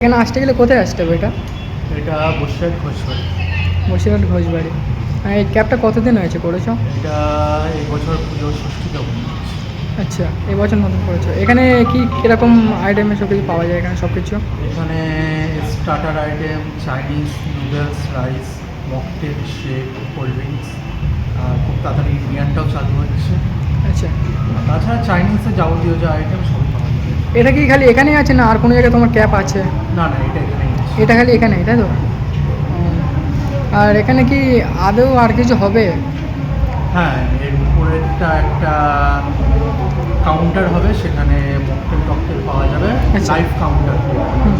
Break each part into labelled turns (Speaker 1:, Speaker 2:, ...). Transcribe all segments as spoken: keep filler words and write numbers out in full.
Speaker 1: এখানে আসতে গেলে কোথায় আসতে হবে এটা?
Speaker 2: এটা বসিরহাট ঘোষবাড়ি।
Speaker 1: বসিরহাট ঘোষবাড়ি। আর এই ক্যাবটা কতদিন হয়েছে করেছো?
Speaker 2: এটা এই বছর পুজোর ষষ্ঠীতে ওপেন হচ্ছে।
Speaker 1: আচ্ছা, এই বছর নতুন করেছো। এখানে কি কীরকম আইটেমের সব কিছু পাওয়া যায় এখানে সব কিছু?
Speaker 2: এখানে starter item, Chinese noodles, rice, mocktail, shake, cold drinks, আর খুব তাড়াতাড়ি ইন্ডিয়ানটাও চালু হচ্ছে।
Speaker 1: আচ্ছা,
Speaker 2: আর তাছাড়া চাইনিজের যাবতীয় যে আইটেম সবই পাওয়া যাবে।
Speaker 1: এটা কি খালি এখানেই আছে না আর কোনো জায়গায় তোমার ক্যাব আছে?
Speaker 2: না না, এটা এখানেই আছে।
Speaker 1: এটা খালি এখানেই, তাই তো? ও, আর এখানে কি আদৌ আর কিছু হবে?
Speaker 2: হ্যাঁ, এর উপরেরটা একটা কাউন্টার হবে, সেখানে মকটেল টকটেল পাওয়া যাবে,
Speaker 1: আচ্ছা।
Speaker 2: Live counter.
Speaker 1: হুম,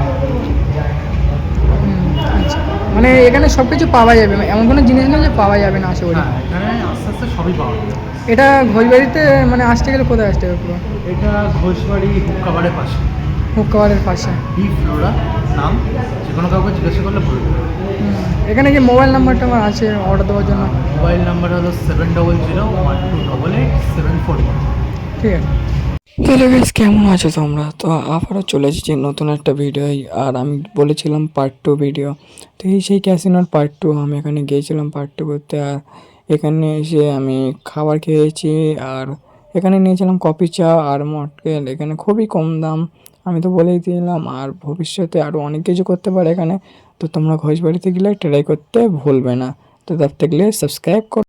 Speaker 1: হুম, আচ্ছা, মানে এখানে সব কিছু পাওয়া যাবে, এমন কোনো জিনিস নেই যে পাওয়া যাবে না আশা করি।
Speaker 2: হ্যাঁ, এখানে আস্তে আস্তে সবই পাওয়া যাবে।
Speaker 1: এটা ঘোষবাড়িতে মানে আসতে গেলে কোথায় আসতে হবে পুরো?
Speaker 2: এটা ঘোষবাড়ি হুক্কাবারের পাশে,
Speaker 1: হুক্কাবারের পাশে।
Speaker 2: বি ফ্লোরা নাম, যে কোনো কাউকে জিজ্ঞাসা করলে বলবে।
Speaker 1: হুম, এখানে কি মোবাইল নাম্বারটা আমার আছে অর্ডার দেওয়ার জন্য?
Speaker 2: মোবাইল নাম্বার হলো seven double zero one two double eight seven four one.
Speaker 1: ঠিক আছে।
Speaker 3: তাহলে বেশ কেমন আছো তোমরা? তো আবারও চলে এসেছি নতুন একটা ভিডিও। আর আমি বলেছিলাম পার্ট টু ভিডিও, তো এই সেই ক্যাসিনোর পার্ট টু। আমি এখানে গিয়েছিলাম পার্ট টু করতে। আর এখানে এসে আমি খাবার খেয়েছি। আর এখানে নিয়েছিলাম কফি চা আর মকটেল। এখানে খুবই কম দাম, আমি তো বলেই দিলাম। আর ভবিষ্যতে আরও অনেক কিছু করতে পারে এখানে। তো তোমরা ঘোষবাড়িতে গেলে ট্রাই করতে ভুলবে না। তো তার থেকে সাবস্ক্রাইব কর।